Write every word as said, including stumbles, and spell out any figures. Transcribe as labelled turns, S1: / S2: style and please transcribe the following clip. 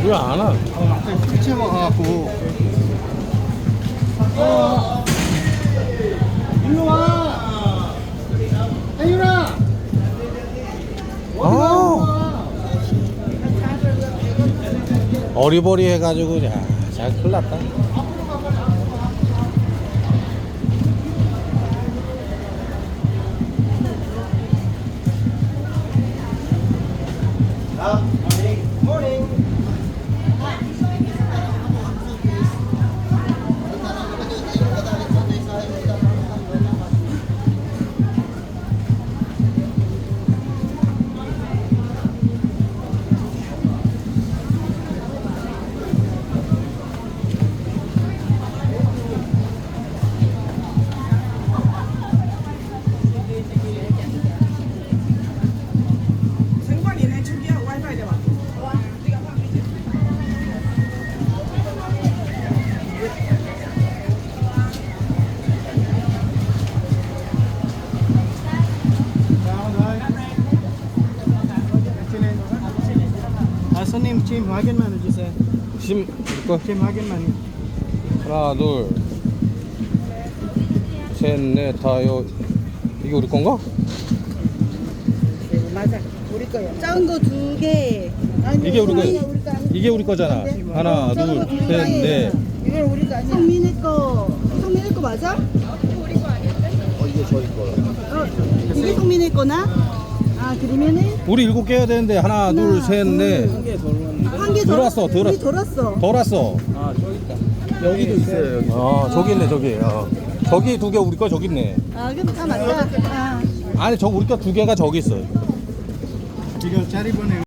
S1: 왜 안 와?
S2: 피치해 와갖고. 어. 일로 와. 혜윤아.
S1: 아, 어리버리 해가지고, 야, 잘 큰일 났다.
S3: 생관이네 저기야 와이파이 대봐.
S2: 아, 손님 지금 확인만 해주세요.
S1: 심, 이거
S2: 지금 확인만 해.
S1: 하나, 둘, 셋, 넷, 다, 요, 이게 우리 건가?
S3: 네, 맞아 우리 거야.
S4: 작은 거 두 개. 아니,
S1: 이게 우리 거,
S4: 성민이 우리 거 아니야?
S1: 이게 우리 거잖아. 하나,
S4: 작은
S1: 둘,
S4: 거두
S1: 셋,
S4: 개예요.
S1: 넷.
S3: 이걸 우리 거 아니야.
S4: 성민이 거. 성민이 거 맞아?
S2: 어, 이게 저희 거요.
S4: 어, 이게 성민이 거나? 아, 그러면은
S1: 우리 일곱 개 해야 되는데, 하나, 둘, 셋, 넷.
S4: 한 개 더
S1: 들어왔어, 들어-
S4: 더 왔어.
S1: 더 왔어.
S2: 아, 저기 있다. 여기도 있어요, 여기.
S1: 아, 저기 있네, 저기. 어. 저기 두 개 우리 거 저기 있네.
S4: 아, 그럼 다 맞다. 아.
S1: 아니, 저 우리 거 두 개가 저기 있어.
S2: 이거 자리 보내.